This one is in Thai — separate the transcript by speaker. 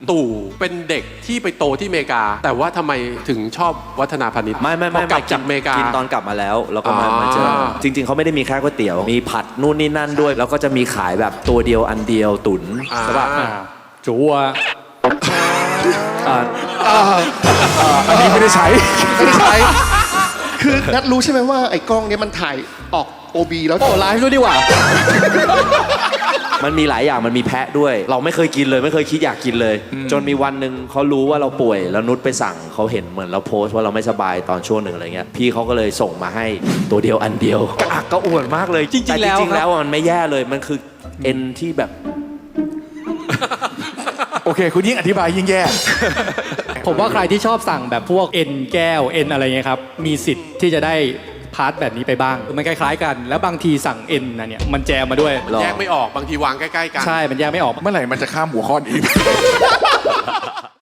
Speaker 1: ตู่เป็นเด็กที่ไปโตที่อเมริกาแต่ว่าทำไมถึงชอบวัฒนาพาณิชย์
Speaker 2: ไม่
Speaker 1: กลับจากอเมริกา
Speaker 2: กินตอนกลับมาแล้วก็มาเจอจริงๆเขาไม่ได้มีแค่ก๋วยเตี๋ยวมีผัดนู่นนี่นั่นด้วยแล้วก็จะมีขายแบบตัวเดียวอันเดียวตุ๋นใช่ป่ะ
Speaker 3: จัว
Speaker 4: อันนี้ไม่ได้ใช้
Speaker 5: คือนัดรู้ใช่ไหมว่าไอ้กล้องเนี้ยมันถ่ายออก OB แล้ว
Speaker 3: โอ้ไลฟ์ด้วยดีกว่า
Speaker 2: มันมีหลายอย่างมันมีแพะด้วยเราไม่เคยกินเลยไม่เคยคิดอยากกินเลยจนมีวันหนึ่งเขารู้ว่าเราป่วยแล้วนุชไปสั่งเขาเห็นเหมือนเราโพสต์ว่าเราไม่สบายตอนช่วงหนึ่งอะไรเงี้ยพี่เขาก็เลยส่งมาให้ตัวเดียวอันเดียวกระอักก็อ้วนมากเลย
Speaker 3: จริงๆแล้ว
Speaker 2: มันไม่แย่เลยมันคือเอ็นที่แบบ
Speaker 4: โอเคคุณยิ่งอธิบายยิ่งแย่
Speaker 3: ผมว่าใครที่ชอบสั่งแบบพวกเอ็นแก้วเอ็นอะไรเงี้ยครับมีสิทธิ์ที่จะได้พาร์ทแบบนี้ไปบ้างมันคล้ายๆกันแล้วบางทีสั่งเอ็นนะเนี่ยมันแจมมาด้วย
Speaker 1: แยกไม่ออกบางทีวางใกล้ๆกัน
Speaker 3: ใช่มันแยกไม่ออก
Speaker 4: เมื่อไหร่มันจะข้ามหัวข้อนี้